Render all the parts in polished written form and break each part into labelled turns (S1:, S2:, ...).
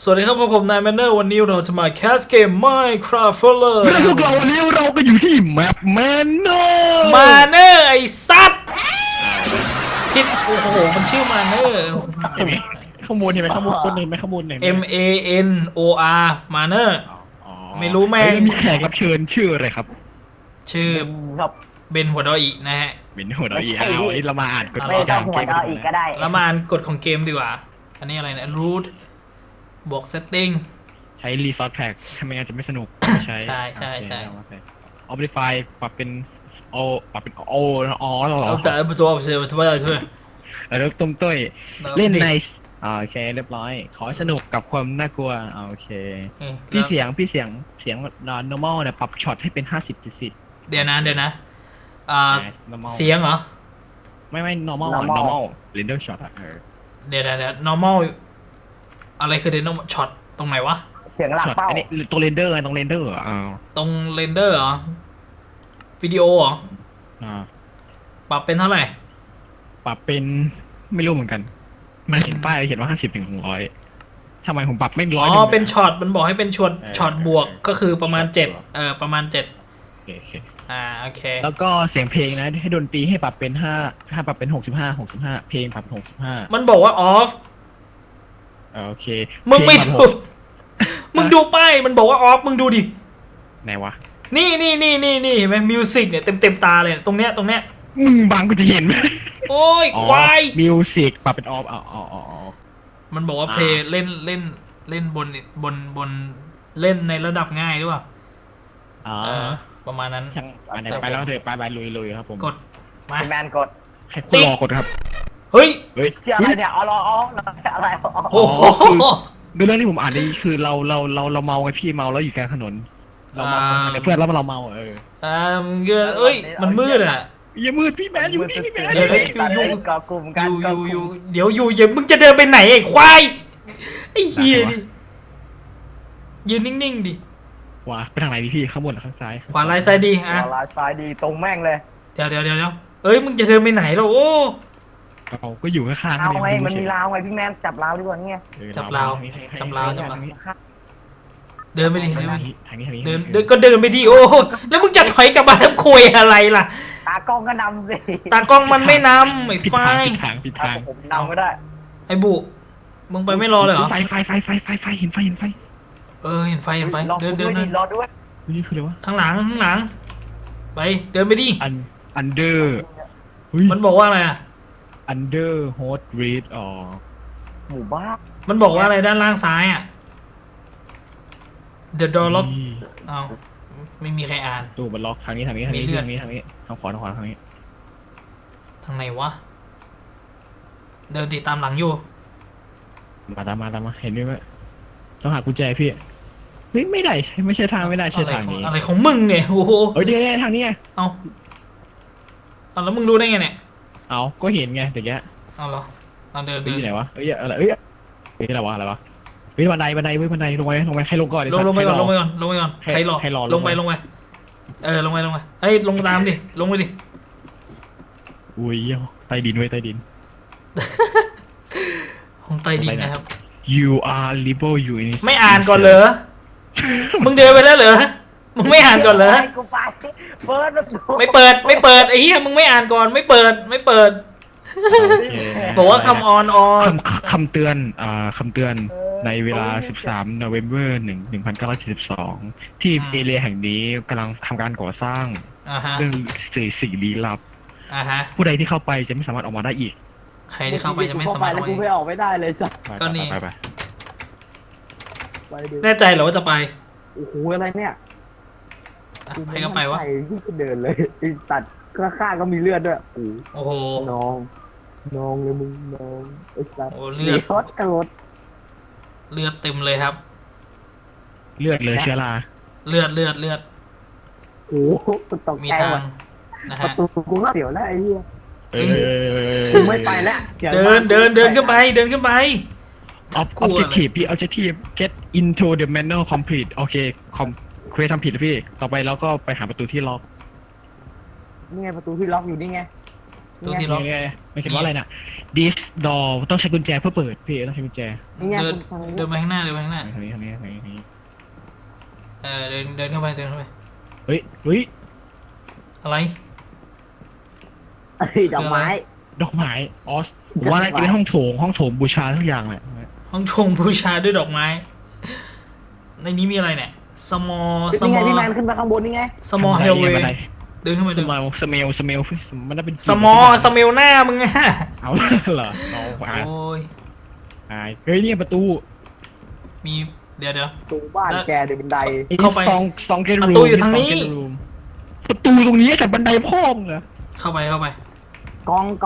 S1: สวัสดีครับผมนายแมนเนอร์วันนี้เราจะมาแคสเกม Minecraft Flower
S2: และพวกเราวันนี้เราก็อยู่ที่แมปแมนเนอร์
S1: มาเนอร์ไอ้สัตว์ผิดโอ้โหมันชื่อมาเนอร์
S2: เห็นไหมข้างบนเห็นไหมข้างบนคนเห็นไหมข้างบนเห็นไหม
S1: MANOR มาเนอร์ไม่รู้แม่ง
S2: แล้วมีแขกรับเชิญชื่ออะไรครับ
S1: ชื่อ
S3: ครับ
S1: เบนหัวดออีนะฮะ
S2: เป็นหัวเราะอีเอาอันนี้เรามาอ่านกฎ
S3: ไม่ต้องหัวดออีกก็ได้
S1: แล้วมาอ่านกฎของเกมดีกว่า อันนี้อะไรนะ root บวก setting
S2: ใช้รีซอสแพ็กทำไมงั้นจะไม่สนุกไม่ใช้
S1: ใช่
S2: ออฟดิฟายปรับเป็นโอปรับเป็นโออ๋อเหรอ
S1: เอาแต่ตัวเอาเสียตัวอะไรช่วย
S2: แล้วต้มต้ยเล่นในโอเคเรียบร้อย ขอให้สนุกกับความน่ากลัวโอเคพี่เสียงnormal เนี่ยปรับช็อตให้เป็น50-70
S1: เดี๋ยวนะเสียงเหรอ
S2: ไม่ normal render shot อะ
S1: เดี๋ยว normal อะไรคือ normal shot ตรงไหนวะ
S3: เสียงหลัก
S2: ช็อต
S3: เป้า
S2: อันนี้ตัว render ไงตรง render อ่ะ
S1: ตรง render เหรอ วิดีโอเหรอ ปรับเป็นเท่าไหร่
S2: ปรับเป็นไม่รู้เหมือนกัน มันเขียนป้ายเขียนว่า50-100ทำไมผมปรับไม่100
S1: อ๋อ เป็นช็อต มันบอกให้เป็นช็อตบวก ก็คือประมาณ7ประมาณ7
S2: โอเค
S1: โอเค
S2: แล้วก็เสียงเพลงนะให้ดนตรีให้ปรับเป็นถ้าปรับเป็น65เพลงปรับเป็น65
S1: มันบอกว่า off
S2: โอเค
S1: มึงไม่
S2: เพล
S1: ดู
S2: ปรับ
S1: มึงดูป้าย มันบอกว่า off มึงดูดิ
S2: ไหนวะ
S1: นี่เห็นไหมมิวสิกเนี่ยเต็มตาเลยตรงเนี้ย
S2: มึงบังกูจะเห็นไหม
S1: โอ้ยควาย
S2: มิวสิกปรับเป็นออฟ
S1: มันบอกว่าเพลย์เล่นบนเล่นในระดับง่ายหรือเปล่าประมาณนั้น
S2: ช่างไปแล้วเถอะไปลุยครับผม
S1: กดมา
S3: คุณแมนกด
S2: ให้คุณรอกดครับ
S1: เฮ้ย
S3: เชื่ออะไรเนี่ยอ๋ออะไร
S1: โอ้โห
S2: คือเรื่องที่ผมอ่านนี่คือเราเมาไงพี่เมาแล้วอยู่กลางถนนเราเมาสงสัยเพื่อนแล้วเราเมา
S1: เอ้ยมันมืดอ่ะ
S2: อย่ามืดพี่แมนอยู่นี่พี่แมน
S1: เดี๋ยว
S3: ก่อกลุ่มกัน
S1: เดี๋ยวอย่ามึงจะเดินไปไหนไอ้ควายไอ้เหี้ยดิยืนนิ่งๆดิ
S2: ขวาไปทางไหนดีพี่ข้างบนหรือข้างซ้าย
S1: ขวาลายซ้ายดีอ่ะ
S3: ลายซ้ายดีตรงแม่งเลย
S1: เดี๋ยวเอ้ยมึงจะเดินไปไหนแล้วโอ้
S2: เราก็อยู่ข้างๆ
S3: เอาไงมันมีราวไงพี่แมนจับราวดีกว่านี่ไง
S1: จับราวเดินไปดิ
S2: ทางนี้
S1: เดินก็เดินไปดิโอ้แล้วมึงจะถอยกลับมาทำคุยอะไรล่ะ
S3: ตากล้องก็นำสิ
S1: ตากล้องมันไม่นำไอ้ไฟ
S2: ผิดทาง
S3: ผมนำก็ได้
S1: ไอ้บุมึงไปไม่รอเลยเหรอ
S2: ไฟเห็นไฟ
S1: เห็นไฟเดิน
S3: รอด้วย
S2: นี่คืออะไรวะ
S1: ข้างหลังไปเดินไปดิ
S2: under
S1: มันบอกว่าอะไรอ่ะ
S2: under host read
S3: หมู่บ้าน
S1: มันบอกว่าอะไรด้านล่างซ้ายอ่ะ The door lock เอาไม่มีใครอ่าน
S2: ตู้มันล็อกทางนี้ทางขวาทางนี้
S1: ทางไหนวะเดินติดตามหลังอยู่
S2: มาตามมาเห็นไหมต้องหากุญแจพี่ไม่ได้ไม่ใช่ทางไม่ได้ใช่ทางนี้
S1: อะไรของมึงเนี่ยโอ้โห
S2: เดี๋ยวทางนี้ไง
S1: เอาแล้วมึงรู้ได้ไงเนี่ย
S2: เอาก็เห็นไงแต่แก
S1: เอาเหรอเอาเดิน
S2: ที่ไหนวะอะไรอะไรวะบันไดลงไปใครลงก่อน
S1: ลงไปก่อนใครรอลงไปลงไปเฮ้ยลงตามดิลงไปดิ
S2: อุ้ยใต้ดิน
S1: ของใต้ดินนะครับ
S2: You are liberal you in
S1: ไม่อ่านก่อนเหรอมึงเดินไปแล้วเหรอมึงไม่อ่านก่อนเหรอ
S3: กูไปเปิดประตู
S1: ไม่เปิดไอ้เหี้ยมึงไม่อ่านก่อนไม่เปิดบอกว่าคำ
S2: คำเตือนในเวลา 13 November 1972 ที่เอเรียแห่งนี้กำลังทำการก่อสร้างเรื่องสิ่งลี้ลับผู้ใดที่เข้าไปจะไม่สามารถออกมาได้อีก
S1: ใครที่เข้าไปจะไม่สามารถ
S3: แล้วกูไม่ออกไม่ได้เลยจ้ะ
S1: ก็นี่
S2: ไป
S1: แน่ใจเหรอว่าจะไป
S3: โอ้โหอะไรเนี่ย
S1: ไปก็ไปวะ
S3: ที่จะเดินเลยตัดข้างก็มีเลือดด้วย
S1: โอ้โห
S3: น้องเลยมึงน้องไอ้สัตว์
S1: โอ้เลือด
S3: กระโดด
S1: เลือดเต็มเลยครับ
S2: เลือดเลยเชื้อรา
S1: เลือด
S3: โอ้โหตก
S1: มี
S3: ใจ
S1: ทา
S3: หม
S1: ง
S3: ด
S1: นะ
S3: ประ
S1: ฮะ
S3: ตูกูก็เสียวแล้วไอ้เหี้ย
S2: กู
S3: ไม่ไปแล้ว
S1: เดินขึ้นไป
S2: objective พี่ objective get into the manual complete โอเคเควสทำผิดแล้วพี่ต่อไปแล้วก็ไปหาประตูที่ล็อก
S3: นี่ไงประตูที่ล็อกอยู่นี่ไง
S1: ตู้ที่ล็อก
S2: เนี่ยไม่เขียนว่าอะไรน่ะ this door ต้องใช้กุญแจเพื่อเปิดพี่ต้องใช้กุญแจ
S3: นี่ไง
S1: เดิน
S3: คุณฟัง
S1: เดินไปข้างหน้าเดินไปข้างหน้า
S2: ทางนี้
S1: เดินเข้าไปเดินเข้าไป
S2: เฮ้ย
S1: อะไร
S3: เอ้ยดอกไม้
S2: ดอกไม้ออสผมว่าน่าจะเป็นห้องโถงบูชาทุกอย่างแหละ
S1: ห้องชงบูชาด้วยดอกไม้ ในนี้มีอะไรเนี่ย small
S3: นี่ไง
S1: small
S3: พี่แมนขึ้นมาข้างบนนี่ไง
S1: small
S2: บัน
S1: hallway
S2: ได
S1: เดินเข้าไป
S2: ส
S1: เดิน
S2: มลสเมลมันน่าเป็น
S1: small smell หน้ามึงอะ
S2: เอาเหรอเอาอ่าน
S1: โอ้ย
S2: เฮ้ยนี่ประตู
S1: มีเดี๋ยว
S3: ตูบ้านแกเดี๋ยวบันได
S1: เข้าไป
S2: สตองเกน
S1: ประ
S2: รูม
S1: ตูอยู่ทางนี้
S2: ประตูตรงนี้แต่บันไดพ่อมเหรอ
S1: เข้าไป
S3: กอง
S1: ก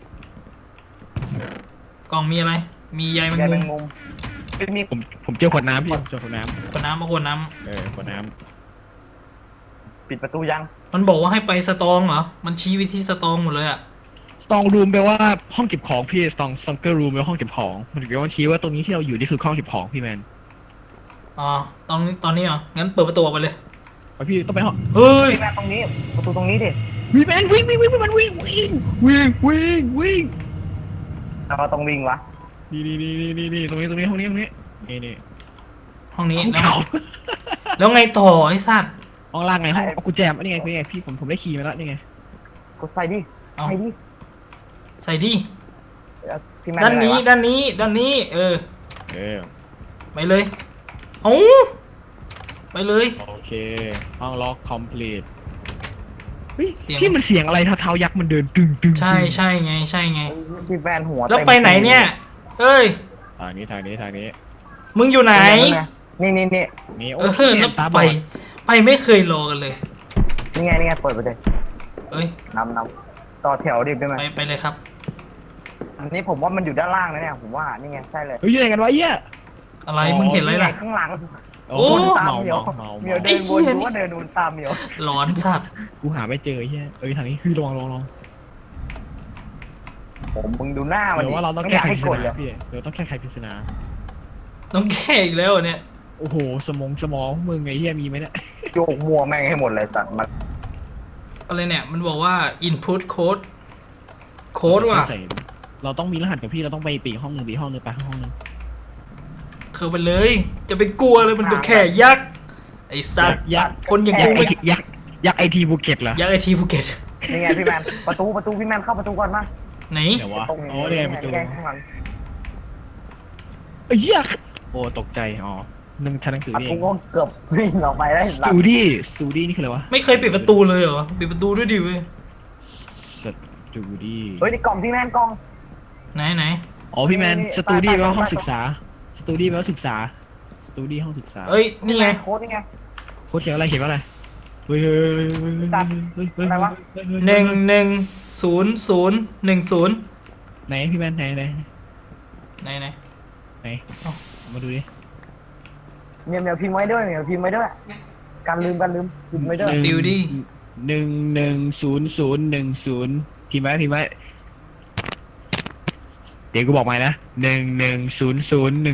S1: ล่องมีอะไร มีใยแมง
S3: แก
S1: มุ
S3: เป็น
S1: ม
S3: งมเป็นมี
S2: ผมเจอขวดน้ำพี่เจอขวดน้
S1: ขวดน้ำมาขวดน้
S2: ำขวดน้
S3: ปิดประตูยัง
S1: ำมันบอกว่าให้ไปสตองเหรอ มันชี้ไปที่สตองหมดเลยอะ
S2: ำสตองรูมแปลว่าห้องเก็บของพี่สตองเกอร์รูมแปลว่าห้องเก็บของมันแปลว่าชี้ว่าตรงนี้ที่เราอยู่นี่คือห้องเก็บของพี่แมน
S1: อ๋อตอนนี้เหรอ งั้นเปิดประตูออกไปเลย
S2: ไปพี่ต้องไปห้อง
S1: เฮ้ย
S3: พี่แมนตรงนี้ประตูตรงนี้ดิ
S2: วิ่งแมนวิ่งมันวิ่ง
S3: แล้วก็ต้องวิ่งวะ
S2: นี่ตรงนี้ห้องนี้นี่
S1: ห้องนี้
S2: ห้อง
S1: แล้ว
S2: เก่า
S1: แล้วไงต่อไอ้สัตว์
S2: ห้องล่างไงห้องเอากุญแจมานี่ไงพี่ผมได้คีย์มาแล้วนี่ไง
S3: กดใส่ดิ
S1: เอา
S3: ใส่ดิ
S1: ใส่ดิ
S3: พี่แมน
S1: ด้านนี้
S3: อะไรวะ
S1: ด้านนี้
S2: เออ
S1: ไปเลยเอาไปเลย
S2: โอเคห้องล็อกคอมพลีทเฮ้ย
S1: เสียง
S2: พี่มันเสียงอะไรเท้ายักษ์มันเดินตึง
S1: ใช่ไง
S3: พี่แมนหัว
S1: แล้ว
S3: ต็ม
S1: ไปไหนเนี่ย เอ้ย
S2: ทางนี้
S1: มึงอยู่ไหน
S3: นี่
S2: นี่โอ้
S1: แล้ว
S2: ตาบ
S1: ไป
S2: อด
S1: ไปไม่เคยรอกันเลย
S3: นี่ไงเปิดไปเลย
S1: เอ้ย
S3: นำต่อแถวดิพี่แมน
S1: ไปเลยครับ
S3: อันนี้ผมว่ามันอยู่ด้านล่างนะเนี่ยผมว่านี่ไงใช่เลย
S2: เฮ้ยยังไงกันวะเหี้ย
S1: อะไร มึงเห็นอะไรล่ะ
S3: ข้างหลัง
S1: โอ้
S3: ตาม
S2: เมา
S3: เหมียว
S2: เมา
S3: เหมียว
S1: ไอ้
S3: เดิน
S1: เหี้
S3: วน
S1: ย
S3: ดูว่าเดินวนตามเหมียว
S1: หลอนสัตว์
S2: กูหาไม่เจอเหี้ยทางนี้คือลอง
S3: ผมมึงดูหน้ามัน
S2: เดี๋ยวว่าเราต้อง
S3: ไม่
S2: แก้
S3: อยาก
S2: ไข
S3: ให้
S2: ปริ
S3: ก
S2: ศ
S3: ดเล
S2: นาย พี่เดี๋ยวต้องแก้ไขปริศนา
S1: ต้องแก้อีกแล้วเหรอเนี่ย
S2: โอ้โหสมองมึงไอ้เหี้ยมีไหมเนี่ย
S3: โยกมัวแม่งให้หมดเลยสัตว์มัน
S1: อะไรเนี่ย มันบอกว่า input code โค้ดว่ะ
S2: เราต้องมีรหัสกับพี่เราต้องไปปีกห้องหนึ่งไปห้องหนึ่ง
S1: เข้าไปเลย จะไปกลัวเลยมันก็แค่ยักษ์ไอ้สัตว์
S2: ยักษ์
S1: คนอย่างกูไม่
S2: ยักษ์ไอทีภูเก็ตเหรอ
S1: ยักษ์ไอทีภูเก็ต
S3: นี่ไงพี่แมนประตูพี่แมนเข้าประตูก่อนมา
S1: ไหน
S2: เดี๋ยววะ
S3: ตรงนี้
S2: โอ้เนี่ยประตู
S3: แกล้งข้างหลัง
S2: เหี้ยโอ้ตกใจอ๋อชั้นหนังสือ
S3: ประ
S2: นี่
S3: ตู
S2: เอง
S3: ก็เกือบวิ่งออกไปได้
S2: สตูดี้นี่คืออะไรวะ
S1: ไม่เคยปิดประตูเลยเหรอ ปิดประตูด้วยดิเว้ย
S2: สตูดี้
S3: เฮ้ยนี่กล่องพี่แมนกล่อง
S1: ไหน
S2: อ๋อพี่แมนสตูดี้แปลว่าห้อง
S3: ใต้
S2: ศึกษาสตูดี้แปลว่าศึกษาสตูดี้ห้องศึกษา
S1: เอ้ย นี่ไง
S3: โค้ดนี่ไง
S2: โค้ดเขียนอะไรเฮ้ย
S1: 11010
S2: ไหนพี่แมนไหน
S1: ไหน
S2: มาดูดิ
S3: เหมียวพิมพ์ไว้ด้วยการลืมพิมพ์ไว้ด้วย
S1: สติลดี้
S2: 110010พิมพ์ไว้เดี๋ยวกูบอกใหม่นะ110010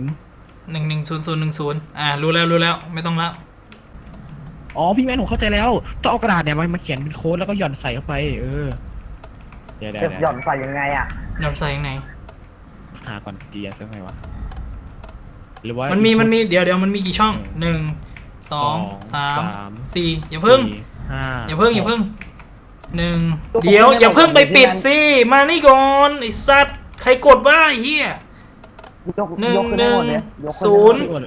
S1: 110010รู้แล้วไม่ต้องแล้ว
S2: อ๋อพี่แมนผมเข้าใจแล้วต้องเอากระดาษเนี่ยมาเขียนเป็นโค้ดแล้วก็หย่อนใส่เข้าไปเดี๋ยว
S3: เก็บหย่อนใส่ยังไงอ่ะ
S1: นอนใส่ยังไง
S2: หาก่อนดีสักไงวะหรือว่า
S1: มันมีเดี๋ยวมันมีกี่ช่อง 1 2 3 4อย่าเพิ่ง
S2: 5
S1: อย่าเพิ่งเดี๋ยวอย่าเพิ่งไปปิดสิมานี่ก่อนไอ้สัตว์ใครกดว่าไอ้เหี้ย
S3: ยก
S1: 1
S3: ขึ้นได้หมดเลยยก
S1: 1
S3: ขึ้นได้หมดเลย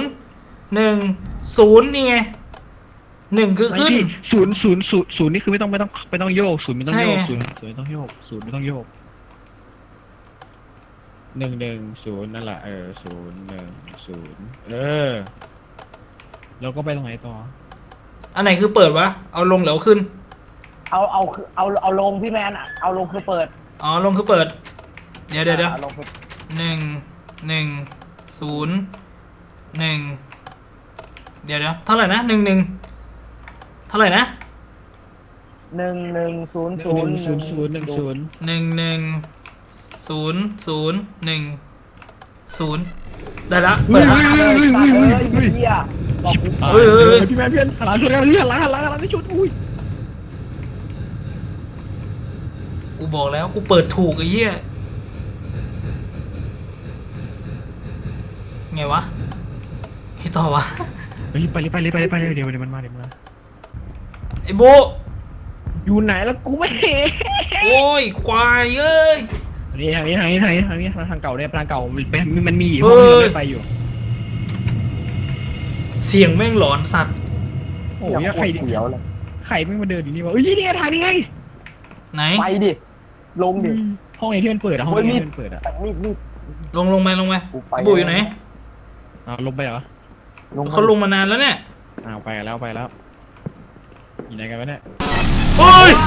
S1: 0 1 0นี่ไง1คือขึ้น
S2: ศูนย์นี่คือไม่ต้องโยกศูนย์ไม่ต้องโยก
S1: ใช่
S2: ศูนย์ไม่ต้องโยกศูนย์ไม่ต้องโยก110นั่นแหละ010แล้วก็ไปตรงไหนต่อ
S1: อันไหนคือเปิดวะเอาลงแล้วขึ้น
S3: เอาลงพี่แมนอ่ะเอาลงคือเปิด
S1: อ๋อลงคือเปิด เดี๋ยว
S3: อาลงคือ
S1: 1 เดี๋ยวเท่าไหร่นะ11เท่าไหร่นะ
S3: 110010
S1: ได้ละ
S2: เฮ้
S1: เปิ
S2: ย
S1: ดละ
S3: เฮียบอกกู
S2: พี่แมนเพื่อนหันหลังชนกันพี่หันหลังไม่ชนอุ้ย
S1: กูบอกแล้วกูเปิดถูกไอ้เหี้ยไงวะไอ้ต่อวะ
S2: ไปเลยเดี๋ยวมันมา
S1: ไอ้โบ
S2: อยู่ไหนแล้วกูไม่เห็น
S1: โอ้ยควายเอ้ย
S2: ทางนี้ทางเก่าเนี่ยทางเก่ามันมีห้องที่เราไม่ไปอยู่
S1: เสียงแม่งหลอนสัตว์
S2: โอ้ยใคร
S3: เสียวเลย
S2: ไม่มาเดินอยู่นี่วะเอ้ยนี่ทางนี้ไง
S1: ไหน
S3: ไปดิลงดิ
S2: ห้องไหนที่มันเปิดอะห้องไหนที่มันเปิดอะ
S3: มีด
S1: ลงไป
S3: กูไป
S1: บูอยู่ไหน
S2: ลงไปเหรอ
S1: เขาลงมานานแล้วเนี่ย
S2: ไปแล้วอยู่ไหนกันวะเนี่ย
S1: เฮ้ย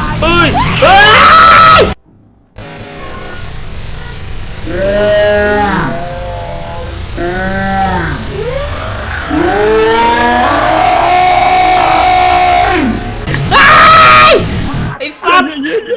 S1: ไอ้สัตว์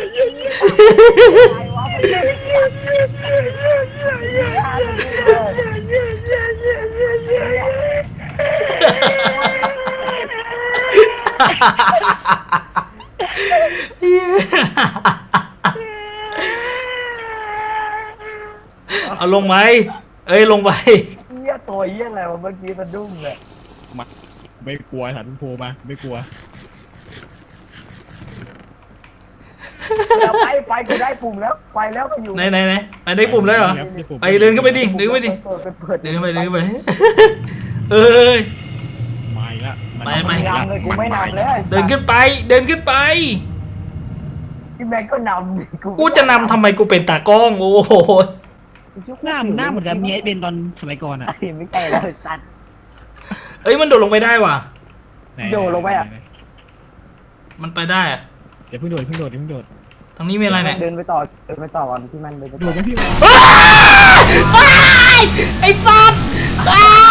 S1: เอาลงไหมเอ้ยลงไป
S3: เหี้ยตัวเหี้ยอะไรวะเมื่อกี้สะดุ้งเลย
S2: ไม่กลัวสันโผล่มาไม่กลัว
S3: ไปกูได้ปุ่มแล้วไปแล้วก็อยู่
S1: ไหนไปได้ปุ่มแล้วเหรอไปเดินขึ้นไปดิเดินไป เอ้ย
S2: มาอีกแล้ว
S1: ไป
S3: ไม่นำเลยกูไม่นำเลย
S1: เดินขึ้นไป
S3: พี่แม็กก็นำ
S1: กูจะนำทำไมกูเป็นตากล้องโอ้โห
S2: หน้าเหมือนกับเมียเบนตอนสมัยก่อนอะ
S3: ไม่ใช่แล้วสัตว์
S1: เอ้ยมันโดดลงไปได้ว่ะ
S3: โดดลงไปอะ
S1: มันไปได้อะ
S2: เดี๋ยวเพิ่งโดด
S1: ทางนี้มีอะไรเนี่ย
S3: เดินไปต่อก่อนที่มันเดินไป
S2: โด
S3: ต่อ
S2: ดไหมพี่
S1: ไอ้สัตว์ไอ้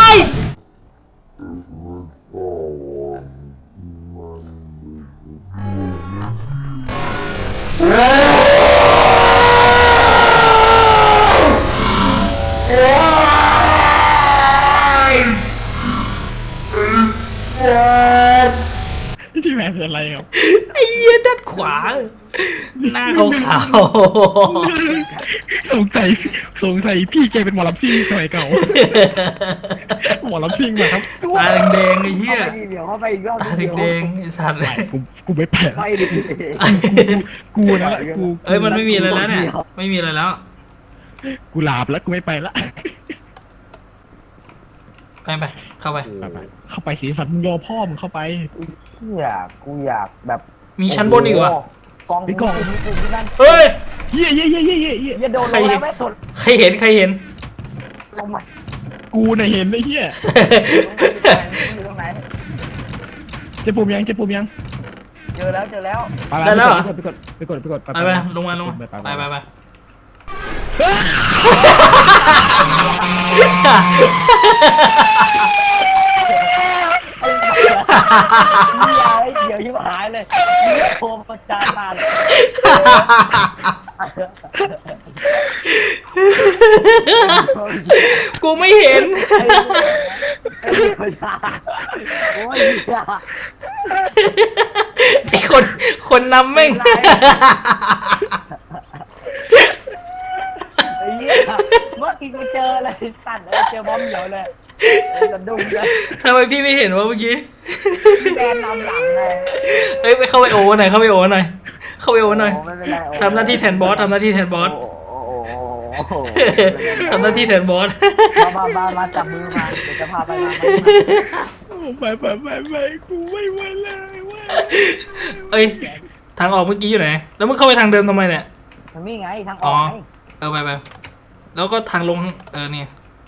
S2: ที่แม่เป็นอะไรครับ
S1: ไอ้เหี้ยด้านขวา หน้าขาว
S2: สงสัยพี่แกเป็นหมอลำซิ่งสมัยเก่าหมอลำซิ่งมาครับ
S1: ๆตาแดงๆไอ้เหี้ย
S3: เดี๋ยวเข้าไปอีกรอบ
S1: ตาแดงๆไอ้สัตว์
S2: กูไม่ไป
S3: ไปดิ
S2: กูนะกู
S1: เอ้ยมันไม่มีอะไรแล้วเนี่ยไม่มีอะไรแล้ว
S2: กูหลาบแล้วกูไม่ไปละ
S1: ไปเข้าไป
S2: เข้าไปสีสันมึงรอพ่อมึงเข้าไป
S3: กูอยากแบบ
S1: มีชั้นบนอีกวะ
S3: กองที่นั่น
S1: เฮ้ย
S2: เย่
S3: อย่าโดนลงแล้วไม่สน
S1: ใครเห็น
S3: ลงมา
S2: กูน่ะเห็นไอ้เหี้ย
S3: อยู่ตรงไหน
S2: จะปุ่มยัง
S3: เจอแล้ว
S2: ไปกด
S1: ไปลงมาไป
S3: เดี๋ยวยิ้มหายเลยโทรประจานมาเลย
S1: กูไม่เห็น ไอ้คนนำแม่ง
S3: เมื่อกี้กูเจอเลยสั่นเลยเจอบอมเหี่ยวเลยสะดุ้งเลย
S1: ทำไมพี่ไม่เห็นวะเมื่อกี้
S3: แกนนำหลังเลย
S1: เอ้ยไปเข้าไปโอหน่อยทำหน้าที่แทนบอส ทำหน้าที่แทนบอส
S3: มาจับมือมาเดี๋ยวจะพาไป
S2: ไปกูไม่ไหวเลยว่า
S1: เอ้ยทางออกเมื่อกี้อยู่ไหนแล้วมึงเข้าไปทางเดิมทำไมเนี่ย
S3: มันมีไงทางออกไง
S1: ไปแล้วก็ทางลงเนี่ย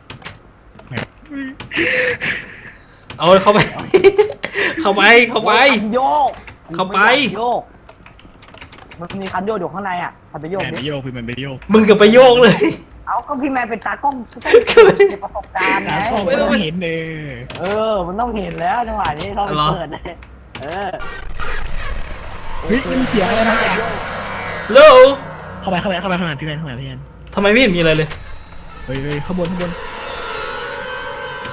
S1: เอาเข้าไป เข้าไป
S3: โยก
S1: เข้าไป
S3: โยกมันมีคันโยกอยู่ข้างในอ่ะคันไปโยก
S2: ไปโยกพี่มันไปโยก
S1: มึงกับไปโยกเลย
S3: เอาก็พี่แมนเป็นตากล้องเก็บประสบการณ์ไง
S2: ไม่ต้องเห็นเลย
S3: มันต้องเห็นแล้วจังหวะนี้เขาเปิดเลย
S2: เฮ้ยมันเสียงอะไรนะ
S1: โล
S2: เข้าไปข้างในพี่แมน
S1: ทำไมไม่เห็นมีอะไรเลย
S2: เฮ้ยข้างบน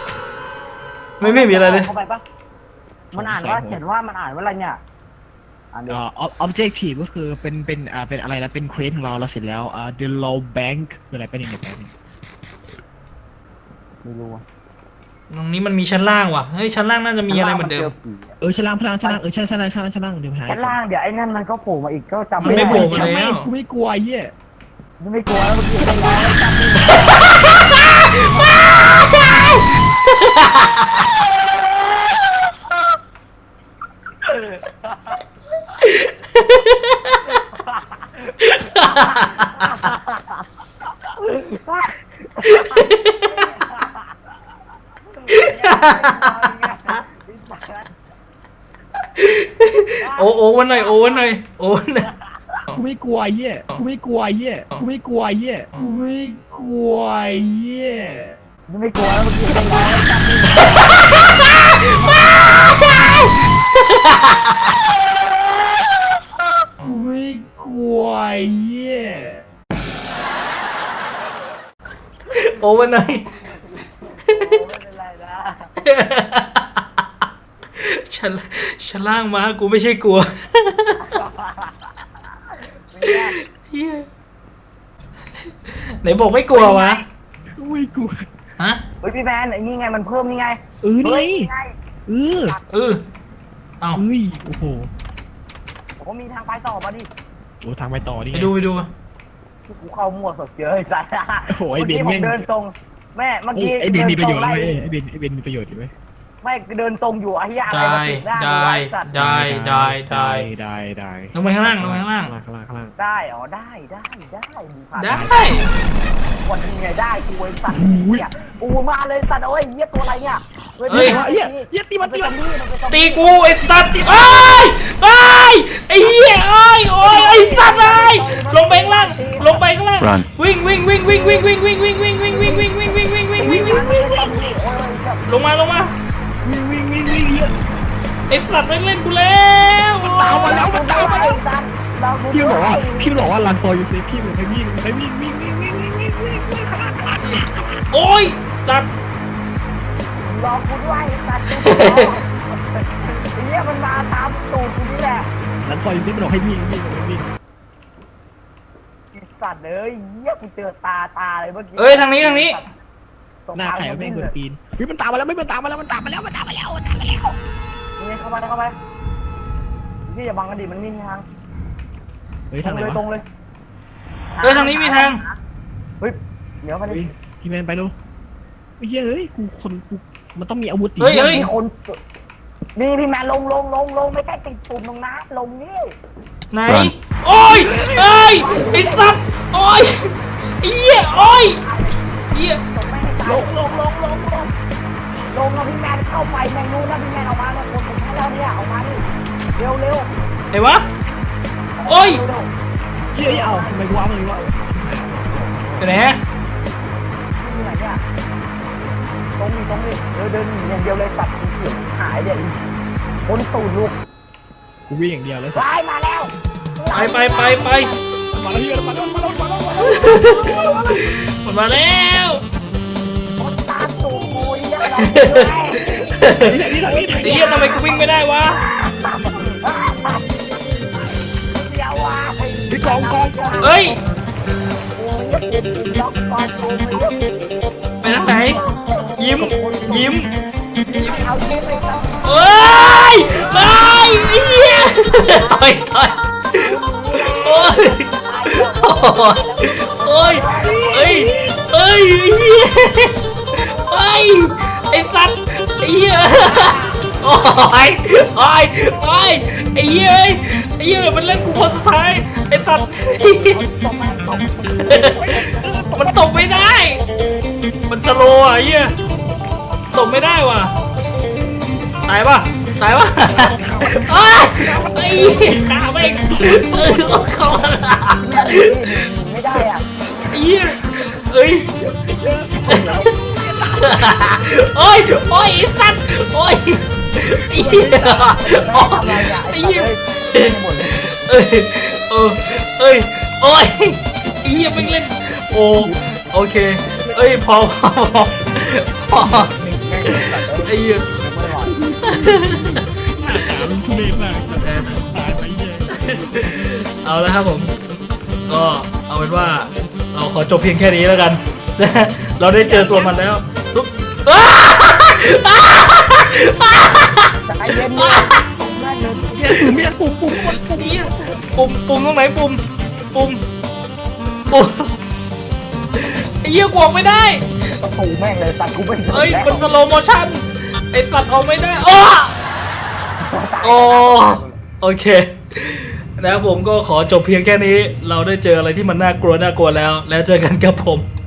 S1: ไม่มีอะไรเลย
S3: เข้าไปปะมันอ่านว่าเขียนว่ามันอ่านว่าอะไรเนี่ยอันเดียว
S2: objective ก็คือเป็นอะไรนะเป็นเควสของเราเสร็จแล้วthe low bank คืออะไรเป็นยังไงแป๊บนึง
S3: ไม่รู้อะ
S1: ตรงนี้มันมีชั้นล่างว่ะเฮ้ยชั้นล่างน่าจะมีอะไรเหมือนเดิม
S2: ชั้นล่างพลังชั้นล่างชั้นล่างเดี๋ยวหาย
S3: ชั้นล่างเดี๋ยวไอ้นั่นมันก็โผล่มาอีกก็จำ
S1: มันไม่
S3: ได้
S1: โผล่มา
S2: ไม่กูไม่กลัวไอ้เหี้ย
S3: ไม่กลัวแล้วเมื่อกี้ไอ้ร้อยจำไม่ได้
S1: โอ้วันหน่อยโอ้วันหน่อยโอ้วันหน่อย
S2: กูไม่กลัวไอ้เหี้ยกูไม่กลัวไอ้เหี้ยกูไม่กลัวไอ้เหี้ยกูไม่กลัวไอ้เหี้ย
S3: ไม่กลัวแล้วเมื่อกี้ไอ้ร้อยจำไม่ได้
S2: กูไม่กลัวไอ้เหี้ย
S1: โอ้วันหน่อย
S3: ไม่เป็นไรนะ
S1: ชั้นล่างมากูไม่ใช่กลัว
S3: ไม่ได้
S1: เหี้ยไหนบอกไม่กลัววะ
S2: กูไม่กลัว
S1: ฮะ
S3: เฮ้ยพี่แมนไอ้นี่ไงมันเพิ่มนี่ไง
S2: นี่
S3: เฮ้ยไง
S2: เออ
S1: เออเอา
S2: เอ้ยโอ้โห
S3: ผมมีทางไปต่อมาดิ
S2: โอ้ทางไปต่อนี่
S1: ไปดู
S3: กูเข้ามั่วสดเจอไอ้สัส
S2: โอ้โหไอ้เบน
S3: ผม
S2: แม่ง
S3: เดินตรงแม่เมื่อกี้
S2: ไอ้เบนมีประโยชน์
S3: เดิ
S2: ไหม
S3: ตง
S2: ไอ้เบนมีประโยชน์อยู่ไหม
S3: ไม่เดินตรงอยู่ไอ้เหี้ยอะไร
S1: ได้
S3: มาติดหน้า
S1: ได้
S3: ไอ้สัตว์
S1: ได้
S2: ได้
S1: ลงไปข้างล่างลงไปข้างล่าง
S2: ข้างล่าง
S3: ได้อ๋อได้มึงผ่าน
S1: ได้
S3: วันนี้ไงได้กูไอ้สัตว์
S2: โอ้ย
S3: เนี่ยกูมาเลยสัตว์โอ้ยเหี้ยตัวอะไรเนี่ย
S1: เฮ้ย
S2: เหี้ยตีมัน
S1: ตีกูไอ้สัตว์ไอ้เหี้ยโอ้ยไอ้สัตว์ลงไปข้างล่างวิ่งลงมา
S2: วิ่งเยอะ
S1: ไอ้สัตว์ไม่เล่นกูแล้ว
S2: ตามมาแล้วมันตามมาแล้ว
S3: เรา
S2: พี่บอกว่ารันฟอร์ยูเซฟพี่บอกให้วิ่งข้างล่าง
S1: โอ้ยสัตว์
S3: รอกูด้วยสัตว์ไอ้เหี้ยมันมาตามตูดกูนี่แหละ
S2: รันฟอร์ยูเซฟบอกให้วิ่ง
S3: ไอ้สัตว์เลยเหี้ยกูเจอตาเลยเมื่อกี้
S1: เอ้ยทางนี้
S2: หน้าไข่ไม่คนปีนเฮ้ยมันตามมาแล้วมันตามมาแล้ว
S3: นี่เข้ามาพี่อย่าบังกันดิมันมีทาง
S2: เฮ้ยทางไหน
S3: ตรง
S2: วะ
S3: เลย
S1: เอ้ยทางนี้มีทาง
S3: เฮ้ยเดี๋ยวมาดิ
S2: พี่แมนไปดูไม่เฮ้ยกูมันต้องมีอาวุธดิ
S1: เฮ้ย
S3: มีคนนี่พี่แมนลงไม่ใช่ติดปุ่มตรงนั้นลงนี่
S1: ไหนโอ้ยไอ้สัตว์โอ้ยไอ้เหี้ยโอ้ยเหี้ย
S3: ตกไม่ให้ตายลงแล้วพี่แมนเข้าไปแมงนู้นนะพี่แมนออกมาเนี่ยคนผมให้เราเนี่ยออกมาดิเร็ว
S1: ไอ้วะโอ้ย
S2: เฮ้ยเอาทำไมกูว้ามันวะ
S1: ไปไหน
S3: ที่ไหนเนี่ยตรงนี้เดินอย่างเดียวเลยตัดเสียงหายเดี๋ยวคนตูดลูก
S2: กูวิ่งอย่างเดียวเลย
S3: วายมาแล้ว
S1: ไป
S2: มาแล้วพี่มาแล้ว
S1: มันมาแล้ว
S3: คนตามตูดกูเนี่ยเรา
S1: ไอ้เหี้ยทำไมกูวิ่งไม่ได้วะ
S3: เดี๋ยวว่า
S2: พี่กอง
S1: เอ้ย
S3: ล็อกก่อนกู
S1: ไปทางไหนยิ้ม
S3: เอาเกมไปตัด
S1: เอ้ยไอ้เหี้ยต่อยโอ้ยเฮ้ยไอ้เหี้ยไอ้สัตว์ไอ้เหี้ยโอ้ยไอ้เหี้ยมันเล่นกูคนสุดท้ายไอ้สัตว์มันตกไม่ได้ มันสโลว์อ่ะไอ้เหี้ยตกไม่ได้ว่ะตายปะไอ้ข้าแม่งเข้ามา
S3: ไม่ได้อ่ะ
S1: ไอ้เหี้ยโอ้ยไอ้สัตว์โอ้ยไอ้เหี้ยไอ้เหี้ยโอ้ยไอ้เหี้ยไม่เล่นโอเคพอไอ้เหี้ย
S2: ทุเรศมากตายไปเหี้ย
S1: เอาละครับผมก็เอาเป็นว่าเราขอจบเพียงแค่นี้แล้วกัน เราได้เจอตัวมันแล้วตุ๊บ
S3: ใจเย็นเลยแม่งเลย
S2: เมียปุ่ม
S1: ปุ่มตรงไหนปุ่มไอ้เหี้ยกวงไม่ได้
S3: ประตูแม่งเลยสัตว์กูไม่
S1: เอ้ย
S3: แล้ว
S1: มันสโลโมชั่นไอ้สัตว์เอาไม่ได้โอ้โอเคแล้วผมก็ขอจบเพียงแค่นี้ เราได้เจออะไรที่มันน่ากลัวแล้วแล้วเจอกันกับผม